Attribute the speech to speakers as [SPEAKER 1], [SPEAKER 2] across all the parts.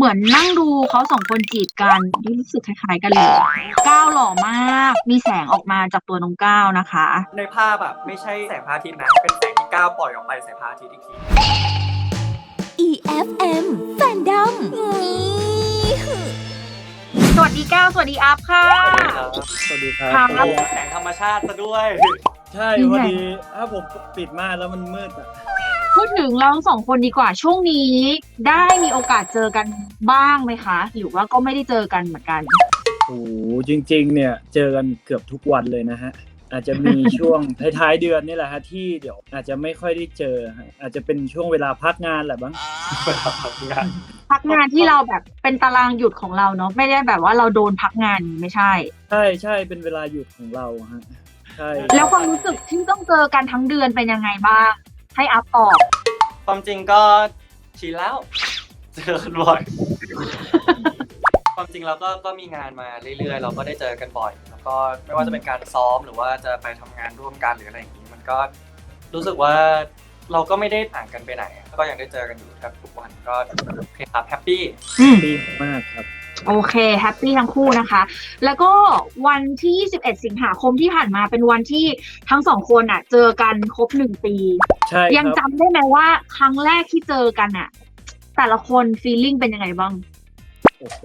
[SPEAKER 1] เหมือนนั่งดูเขาสองคนจีบกันรู้สึกคล้ายๆกันเลยก้าวหล่อมากมีแสงออกมาจากตัวน้องก้าวนะคะ
[SPEAKER 2] ในภาพแบบไม่ใช่แสงพระอาทิตย์นะเป็นแสงที่ก้าวปล่อยออกไปใส่พระอาทิตย์อีกที
[SPEAKER 3] EFM Fandom
[SPEAKER 1] สวัสดีก้าวสวัสดีอัพค่ะ
[SPEAKER 4] สวัสดีครับ
[SPEAKER 1] ครับ
[SPEAKER 2] โอ้โหแสงธรรมชาติซะด้วย
[SPEAKER 4] ใช่พอดีถ้าผมปิดม่านแล้วมันมืดอ่ะ
[SPEAKER 1] พูดถึงเราทั้งสองคนดีกว่าช่วงนี้ได้มีโอกาสเจอกันบ้างไหมคะหรือว่าก็ไม่ได้เจอกันเหมือนกัน
[SPEAKER 4] โอ้โหจริงๆเนี่ยเจอกันเกือบทุกวันเลยนะฮะอาจจะมีช่วง ท้ายๆเดือนนี่แหละฮะที่เดี๋ยวอาจจะไม่ค่อยได้เจอฮะอาจจะเป็นช่วงเวลาพักงานแหละบ้าง
[SPEAKER 1] พักงานที่เราแบบเป็นตารางหยุดของเราเนาะไม่ได้แบบว่าเราโดนพักงานไม่ใช่
[SPEAKER 4] ใช่ใช่เป็นเวลาหยุดของเราฮะใช่
[SPEAKER 1] แล้วความรู้สึกที่ต้องเจอกันทั้งเดือนเป็นยังไงบ้างให้อัพตอบ
[SPEAKER 2] ความจริงก็ชินแล้ว เจอกันบ่อย ความจริงเราก็มีงานมาเรื่อยๆ เราก็ได้เจอกันบ่อย แล้วก็ไม่ว่าจะเป็นการซ้อมหรือว่าจะไปทำงานร่วมกันหรืออะไรอย่างนี้ มันก็รู้สึกว่าเราก็ไม่ได้ห่างกันไปไหน ก็ยังได้เจอกันอยู่แทบทุกวันก็โอเคครับแฮปปี้
[SPEAKER 4] ดีมากครับ
[SPEAKER 1] โอเคแฮปปี้ทั้งคู่นะคะ แล้วก็วันที่21สิงหาคมที่ผ่านมาเป็นวันที่ทั้งสองคนอ่ะ เจอกันครบ1 ปี
[SPEAKER 4] ใช่
[SPEAKER 1] ยัง
[SPEAKER 4] ครับ
[SPEAKER 1] จำได้ไหมว่าครั้งแรกที่เจอกันอ่ะ แต่ละคนฟีลลิ่งเป็นยังไงบ้าง
[SPEAKER 4] โอ้โห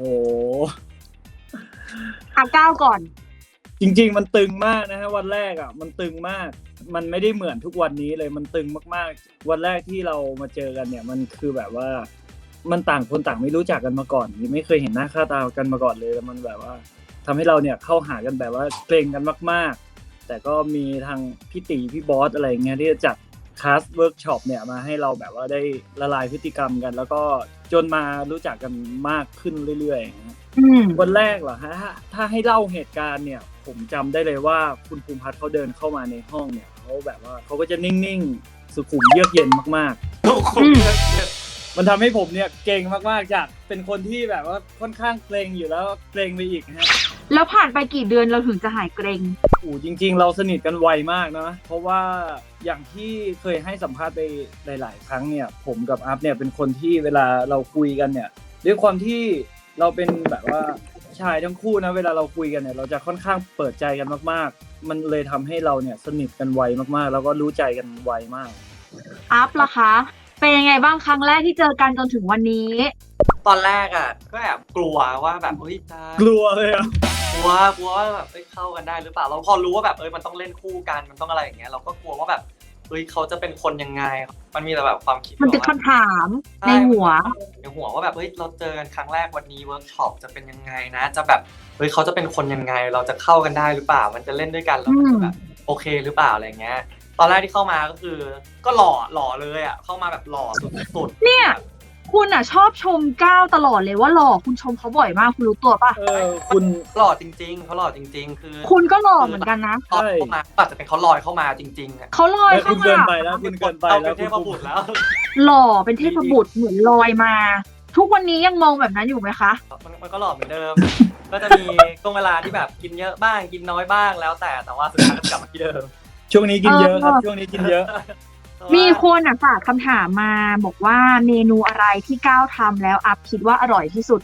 [SPEAKER 1] ก้าวก่อน
[SPEAKER 4] จริงๆมันตึงมากนะฮะวันแรกอ่ะมันตึงมาก มันไม่ได้เหมือนทุกวันนี้เลยมันตึงมากๆวันแรกที่เรามาเจอกันเนี่ยมันคือแบบว่ามันต่างคนต่างไม่รู้จักกันมาก่อนไม่เคยเห็นหน้าค่าตากันมาก่อนเลยแล้วมันแบบว่าทำให้เราเนี่ยเข้าหากันแบบว่าเกรงกันมากๆแต่ก็มีทางพี่ตีพี่บอสอะไรเงี้ยที่จะจัดคลาสเวิร์กช็อปเนี่ยมาให้เราแบบว่าได้ละลายพฤติกรรมกัน แล้วก็จนมารู้จักกันมากขึ้นเรื่อยๆ วันแรกเหรอฮะถ้าให้เล่าเหตุการณ์เนี่ยผมจำได้เลยว่าคุณภูมิพัฒน์เขาเดินเข้ามาในห้องเนี่ยเขาแบบว่าเขาก็จะนิ่งๆสุขุมเยือกเย็นมาก
[SPEAKER 2] ทุกคน
[SPEAKER 4] ๆมันทำให้ผมเนี่ยเก่งมากๆจากเป็นคนที่แบบว่าค่อนข้างเกรงอยู่แล้วเกรงไปอีกฮะ
[SPEAKER 1] แล้วผ่านไปกี่เดือนเราถึงจะหายเกรง
[SPEAKER 4] จริงๆเราสนิทกันไวมากนะเพราะว่าอย่างที่เคยให้สัมภาษณ์ไปหลายๆครั้งเนี่ยผมกับอัพเนี่ยเป็นคนที่เวลาเราคุยกันเนี่ยด้วยความที่เราเป็นแบบว่าชายทั้งคู่นะเวลาเราคุยกันเนี่ยเราจะค่อนข้างเปิดใจกันมากๆมันเลยทำให้เราเนี่ยสนิทกันไวมากๆแล้วก็รู้ใจกันไวมาก
[SPEAKER 1] อัพล่ะคะ เป็นยังไงบ้างครั้งแรกที่เจอกันจนถึงวันนี้
[SPEAKER 2] ตอนแรกอ่ะก็แอบกลัวว่าแบบเฮ้ยจะ
[SPEAKER 4] กลัวเลยอ่ะ
[SPEAKER 2] กลัวว่าแบบเข้ากันได้หรือเปล่าเราพอรู้ว่าแบบมันต้องเล่นคู่กันมันต้องอะไรอย่างเงี้ยเราก็กลัวว่าแบบเขาจะเป็นคนยังไงมันมีแต่แบบความคิด
[SPEAKER 1] มันเป็นคำถามในหัว
[SPEAKER 2] ว่าแบบเราเจอกันครั้งแรกวันนี้เวิร์กช็อปจะเป็นยังไงนะจะแบบเขาจะเป็นคนยังไงเราจะเข้ากันได้หรือเปล่ามันจะเล่นด้วยกันแล้วมันจะแบบโอเคหรือเปล่าอะไรเงี้ยตอนแรกที่เข้ามาก็คือก็หล่อเลยอ่ะเข้ามาแบบหล่อสุดๆ
[SPEAKER 1] เนี่ยคุณอ่ะชอบชมก้าวตลอดเลยว่าหล่อคุณชมเขาบ่อยมากคุณรู้ตัวป่ะ
[SPEAKER 4] คุณ
[SPEAKER 2] หล่อจริงๆเขาหล่อจริงๆคือ
[SPEAKER 1] คุณก็หล่อเหมือนกันนะ
[SPEAKER 2] ตอนเข้ามาอาจจะเป็นเขาลอยเข้ามาจริงๆอ่ะ
[SPEAKER 1] เขาลอยเข้า
[SPEAKER 4] คุณเกิ
[SPEAKER 1] มาน
[SPEAKER 4] ไปแล้วคุณเกินไป
[SPEAKER 2] เรา
[SPEAKER 4] แล้
[SPEAKER 2] เป็
[SPEAKER 4] วน
[SPEAKER 2] เทพบุตรแล้ว
[SPEAKER 1] หล่อเป็นเทพบุตรเหมือนลอยมา ทุกวันนี้ยังมองแบบนั้นอยู่ไหมคะ
[SPEAKER 2] มันก็หล่อเหมือนเดิม ก็จะมีช่วงเวลาที่แบบกินเยอะบ้างกินน้อยบ้างแล้วแต่ว่าสุดท้ายก็กลับมาที่เดิม
[SPEAKER 4] ช่วงนี้กินเยอะครับช่วงนี้กินเยอะ
[SPEAKER 1] มีคนอ่ะฝากคำถามมาบอกว่าเมนูอะไรที่ก้าวทำแล้วอัพคิดว่าอร่อยที่สุด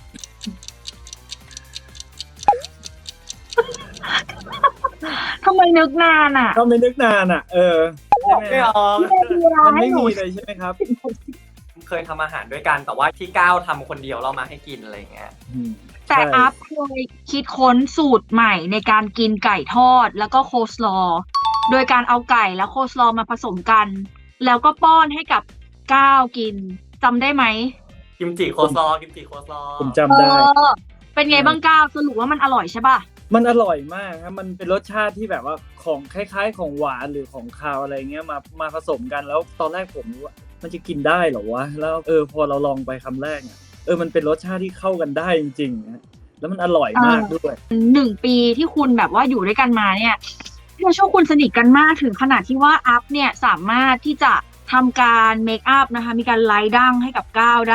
[SPEAKER 1] ทำไมนึกนานอ่ะ
[SPEAKER 4] ก็ไม่นึกนานอ่ะใช่ไหม
[SPEAKER 2] ไม่ออก
[SPEAKER 4] มันไม่มีเลยใช่ไหมครับ
[SPEAKER 2] เคยทำอาหารด้วยกันแต่ว่าที่ก้าวทำคนเดียวเรามาให้กินอะไรอย่างเงี้ย
[SPEAKER 1] แต่อัพเคยคิดค้นสูตรใหม่ในการกินไก่ทอดแล้วก็โคสลอว์โดยการเอาไก่และโคสลอว์มาผสมกัน แล้วก็ป้อนให้กับก้าวกินจำได้ไหม
[SPEAKER 2] กิมจิโคซอ
[SPEAKER 4] ผมจำได้
[SPEAKER 1] เป็นไงบ้างก้าวสรุปว่ามันอร่อยใช่ป่ะ
[SPEAKER 4] มันอร่อยมากครับมันเป็นรสชาติที่แบบว่าของคล้ายๆของหวานหรือของคาวอะไรเงี้ยมาผสมกันแล้วตอนแรกผมรู้ว่ามันจะกินได้เหรอวะแล้วพอเราลองไปคำแรกเนี่ยมันเป็นรสชาติที่เข้ากันได้จริงๆนะแล้วมันอร่อยมากด้วย
[SPEAKER 1] 1 ปีที่คุณแบบว่าอยู่ด้วยกันมาเนี่ยในช่วงคุณสนิทกันมากถึงขนาดที่ว่าอัพเนี่ยสามารถที่จะทำการเมคอัพนะคะมีการไลท์ดั้งให้กับก้าวได้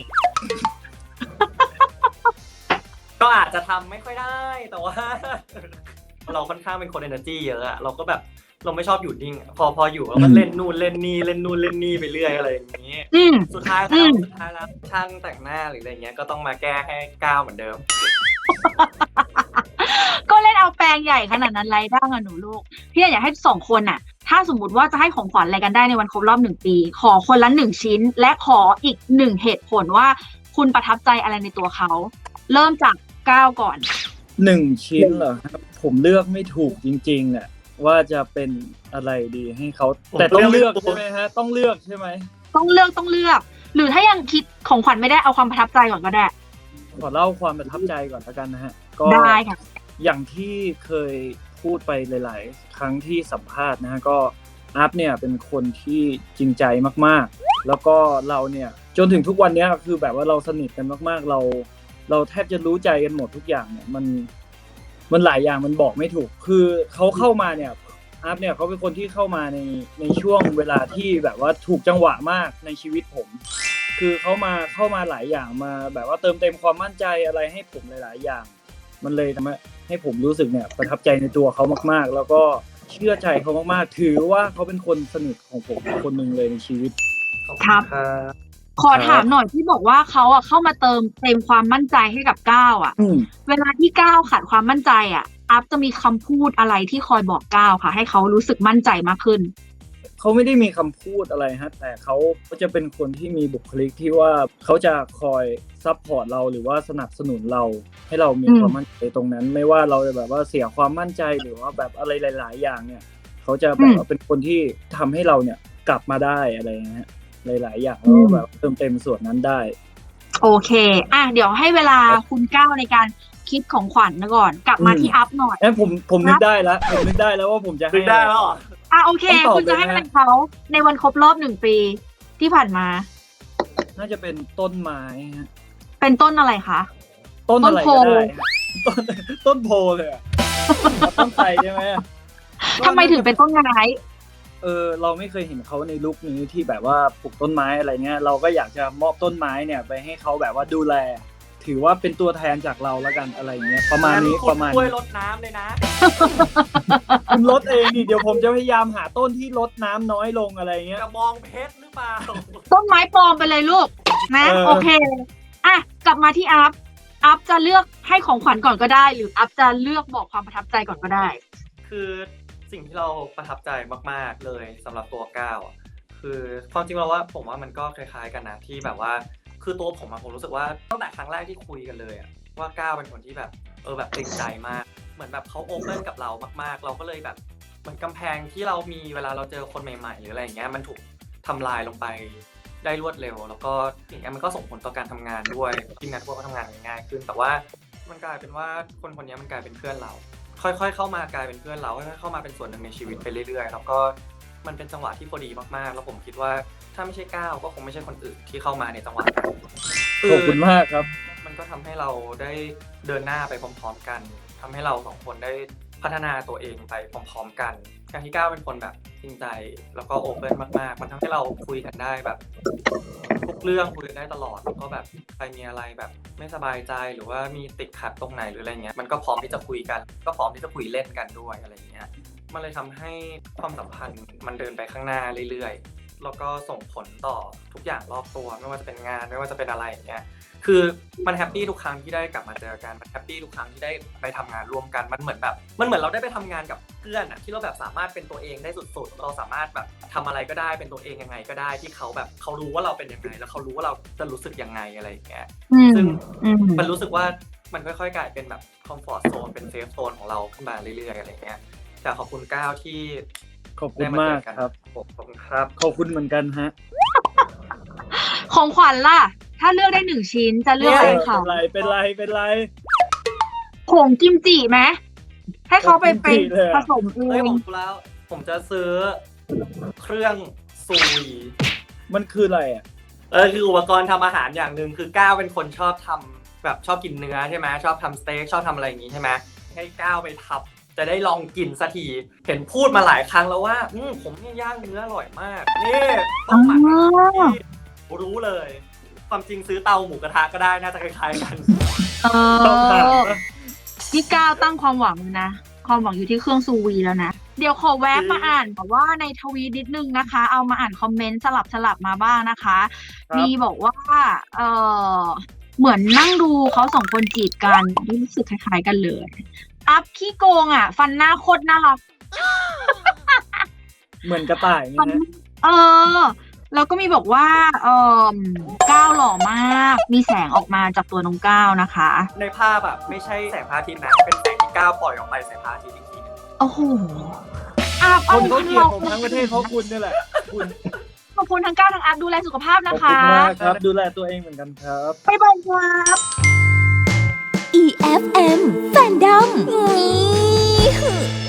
[SPEAKER 2] ก็อาจจะทำไม่ค่อยได้แต่ว่า เราค่อนข้างเป็นคน energy เยอะอะเราก็แบบเราไม่ชอบอยู่นิ่งอะพออยู่เราก็เล่นนู่นเล่นนี่เล่นนู่นเล่นนี่ไปเรื่อยอะไรอย่างนี้
[SPEAKER 1] อืม
[SPEAKER 2] สุดท้ายแล้วช่างแต่งหน้าหรืออะไรเงี้ยก็ต้องมาแก้ให้ก้าวเหมือนเดิม
[SPEAKER 1] ก็เล่นเอาแปลงใหญ่ขนาดนั้นไรบ้างอะหนูลูกพี่อยากให้สองคนน่ะ ถ้าสมมติว่าจะให้ของขวัญอะไรกันได้ในวันครบรอบ1 ปี ขอคนละ1 ชิ้น และขออีก1 เหตุผลว่าคุณประทับใจอะไรในตัวเขา เริ่มจากก้าวก่อน
[SPEAKER 4] 1 ชิ้นเหรอครับผมเลือกไม่ถูกจริงๆอ่ะว่าจะเป็นอะไรดีให้เขาแต่ต้องเลือกใช่ไหมฮะต้องเลือกใช่ไหม
[SPEAKER 1] ต้องเลือก หรือถ้ายังคิดของขวัญไม่ได้เอาความประทับใจก่อนก็ได้
[SPEAKER 4] ขอเล่าความประทับใจก่อนแล้วกันนะฮะก็
[SPEAKER 1] ได้ค่ะ
[SPEAKER 4] อย่างที่เคยพูดไปหลายๆครั้งที่สัมภาษณ์นะฮะก็อัพเนี่ยเป็นคนที่จริงใจมากๆแล้วก็เราเนี่ยจนถึงทุกวันนี้คือแบบว่าเราสนิทกันมากๆเราแทบจะรู้ใจกันหมดทุกอย่างเนี่ยมันหลายอย่างมันบอกไม่ถูกคือเขาเข้ามาเนี่ยอัพเนี่ยเขาเป็นคนที่เข้ามาในช่วงเวลาที่แบบว่าถูกจังหวะมากในชีวิตผม คือเข้ามาหลายอย่างมาแบบว่าเติมเต็มความมั่นใจอะไรให้ผมหลายๆอย่าง มันเลยทำให้ผมรู้สึกเนี่ยประทับใจในตัวเขามากๆ แล้วก็เชื่อใจเขามากๆถือว่าเขาเป็นคนสนิทของผมคนหนึ่งเลยในชีวิต
[SPEAKER 1] ครับ ขอถามหน่อยที่บอกว่าเขาอะเข้ามาเติมเต็มความมั่นใจให้กับก้าวอะ เวลาที่ก้าวขาดความมั่นใจอะอัพจะมีคำพูดอะไรที่คอยบอกก้าวค่ะ ให้เขารู้สึกมั่นใจมากขึ้น
[SPEAKER 4] เขาไม่ได้มีคำพูดอะไรฮะแต่เขาก็จะเป็นคนที่มีบุคลิกที่ว่าเขาจะคอยซัพพอร์ตเราหรือว่าสนับสนุนเราให้เรามีความมั่นใจตรงนั้น ไม่ว่าเราจะแบบว่าเสียความมั่นใจหรือว่าแบบอะไรหลายๆอย่างเนี่ยเขาจะแบบว่าเป็นคนที่ทำให้เราเนี่ยกลับมาได้อะไรอย่างเงี้ยหลายๆอย่างแล้วแบบเติมเต็มส่วนนั้นได้
[SPEAKER 1] โอเคเดี๋ยวให้เวลาคุณก้าวในการคิดของขวัญก่อน กลับมาที่อัพหน่อย
[SPEAKER 4] ผมนึกได้แล้วผมนึกได้แล้วว่าผมจะให้
[SPEAKER 2] ได้แล้วเหรอ
[SPEAKER 1] โอเค คุณจะให้อะไรเขาในวันครบรอบ1 ปีที่ผ่านมา
[SPEAKER 4] น่าจะเป็นต้นไม้ฮะ
[SPEAKER 1] เป็นต้นอะไรคะ
[SPEAKER 4] ต้นอะไร
[SPEAKER 1] ต้นโพ
[SPEAKER 4] ก็ได้ฮะต้นโพเลยอะต้นไทรใช่ไหม
[SPEAKER 1] ทำไมถึงเป็นต้นไม้
[SPEAKER 4] เราไม่เคยเห็นเขาในลุคนี้ที่แบบว่าปลูกต้นไม้อะไรเงี้ยเราก็อยากจะมอบต้นไม้เนี่ยไปให้เขาแบบว่าดูแล ถือว่าเป็นตัวแทนจากเราแล้วกันอะไรเงี้ยประมาณนี้ประมาณ
[SPEAKER 2] ช่วยลดน้ำเลยนะ
[SPEAKER 4] คุณลดเองดิเดี๋ยวผมจะพยายามหาต้นที่ลดน้ำน้อยลงอะไรเงี้ย
[SPEAKER 2] กระบองเพชรหรือเปล่า
[SPEAKER 1] ต้นไม้ปลอมไปเลยลูกนะ โอเคกลับมาที่อัพจะเลือกให้ของขวัญก่อนก็ได้ หรืออัพจะเลือกบอกความประทับใจก่อนก็ได้
[SPEAKER 2] คือสิ่งที่เราประทับใจมากๆเลยสำหรับตัวก้าวคือความจริงเราว่าผมว่ามันก็คล้ายๆกันนะที่แบบว่าคือตัวผมรู้สึกว่าตั้งแต่ครั้งแรกที่คุยกันเลยว่าก้าวเป็นคนที่แบบแบบจริงใจมากเหมือนแบบเขาโอเพ่นกับเรามากๆเราก็เลยแบบเหมือนกำแพงที่เรามีเวลาเราเจอคนใหม่ๆหรืออะไรอย่างเงี้ยมันถูกทำลายลงไปได้รวดเร็วแล้วก็อย่างเงี้ยมันก็ส่งผลต่อการทำงานด้วยทีมงานพวกก็ทำงานง่ายขึ้นแต่ว่ามันกลายเป็นว่าคนนี้มันกลายเป็นเพื่อนเราค่อยๆเข้ามากลายเป็นเพื่อนเราค่อยๆเข้ามาเป็นส่วนหนึ่งในชีวิตไปเรื่อยๆแล้วก็มันเป็นจังหวะที่พอดีมากๆแล้วผมคิดว่าถ้าไม่ใช่ก้าวก็คงไม่ใช่คนอื่นที่เข้ามาในจังหวะนั้น
[SPEAKER 4] ขอบคุณมากครับ
[SPEAKER 2] มันก็ทำให้เราได้เดินหน้าไปพร้อมๆกันทำให้เราสองคนได้พัฒนาตัวเองไปพร้อมๆกันการที่ก้าวเป็นคนแบบจริงใจแล้วก็โอเพ่นมากๆมันทำให้เราคุยกันได้แบบทุกเรื่องคุยกันได้ตลอดแล้วก็แบบใครมีอะไรแบบไม่สบายใจหรือว่ามีติดขัดตรงไหนหรืออะไรเงี้ยมันก็พร้อมที่จะคุยกันก็พร้อมที่จะคุยเล่นกันด้วยอะไรเงี้ยมันเลยทำให้ความสัมพันธ์มันเดินไปข้างหน้าเรื่อยๆแล้วก็ส่งผลต่อทุกอย่างรอบตัวไม่ว่าจะเป็นงานไม่ว่าจะเป็นอะไรอย่างเงี้ยคือมันแฮปปี้ทุกครั้งที่ได้กลับมาเจอกันมันแฮปปี้ทุกครั้งที่ได้ไปทำงานร่วมกันมันเหมือนเราได้ไปทำงานกับเพื่อนที่เราแบบสามารถเป็นตัวเองได้สุดๆเราสามารถแบบทำอะไรก็ได้เป็นตัวเองยังไงก็ได้ที่เขาแบบเขารู้ว่าเราเป็นยังไงแล้วเขารู้ว่าเราจะรู้สึกยังไงอะไรอย่างเงี้ยซึ่งมันรู้สึกว่ามันค่อยๆกลายเป็นแบบคอมฟอร์ตโซนเป็นเซฟโซนของเราขึ้นมาเรื่อยๆอะไรเงี้ยแต่ขอบคุณก้าวที่
[SPEAKER 4] ขอบคุณมากครับ
[SPEAKER 2] ขอบคุณครับ
[SPEAKER 4] ขอบคุณเหมือนกันฮะ
[SPEAKER 1] ของขวัญล่ะ ถ้าเลือกได้1 ชิ้นจะเลือกอะไรเขา
[SPEAKER 4] เป็นไร
[SPEAKER 1] ผงกิมจิไหมให้เขาไปเป็นผสมเอ
[SPEAKER 2] เฮ้ย
[SPEAKER 1] ง
[SPEAKER 2] ผมรู้แล้วผมจะซื้อเครื่องซูวี
[SPEAKER 4] มันคืออะไรอ่ะ
[SPEAKER 2] คืออุปกรณ์ทำอาหารอย่างหนึ่งคือก้าวเป็นคนชอบทำแบบชอบกินเนื้อใช่ไหมชอบทำสเต็กชอบทำอะไรอย่างงี้ใช่ไหมให้ก้าวไปทับจะได้ลองกินสักทีเห็นพูดมาหลายครั้งแล้วว่าผมนี่ย่างเนื้ออร่อยมากนี่ต้องหมักรู้เลยความจริงซื้อเตาหมูกระทะก็ได้น่าจะคล้ายๆกัน
[SPEAKER 1] พี่ก้าวตั้งความหวังนะความหวังอยู่ที่เครื่องซูวีแล้วนะเดี๋ยวขอแวะมาอ่านแบบว่าในทวีตนิดนึงนะคะ เอามาอ่านคอมเมนต์สลับมาบ้างนะคะ มีบอกว่าเออเหมือนนั่งดูเขาสองคนจีบกันรู้สึกคล้ายๆกันเลย อัพขี้โกงอ่ะ ฟันหน้าโคตรน่ารัก
[SPEAKER 4] เหมือนกระต่ายนี่นะ
[SPEAKER 1] เออ แล้วก็มีบอกว่าก้าวหล่อมาก มีแสงออกมาจากตัวน้องก้าวนะคะ
[SPEAKER 2] ในภาพแบบไม่ใช่แสงพระอาทิตย์นะเป็นแสงที่ก้าวปล่อยออกไปใส่พระอาทิตย์อีกทีนึง
[SPEAKER 1] โอ้โห
[SPEAKER 4] คนเขาเกลียดผมทั้งประเทศเพราะคุณนี่แหละคุณ
[SPEAKER 1] ขอบคุณทั้งก้าวทั้งอัพดูแลสุขภาพ
[SPEAKER 4] ข
[SPEAKER 1] นะ
[SPEAKER 4] อบคุ
[SPEAKER 1] คะ
[SPEAKER 4] ณมากครับ ดูแลตัวเองเหมือนกันครับ
[SPEAKER 1] บ๊ายบายครับ
[SPEAKER 3] EFM Fandom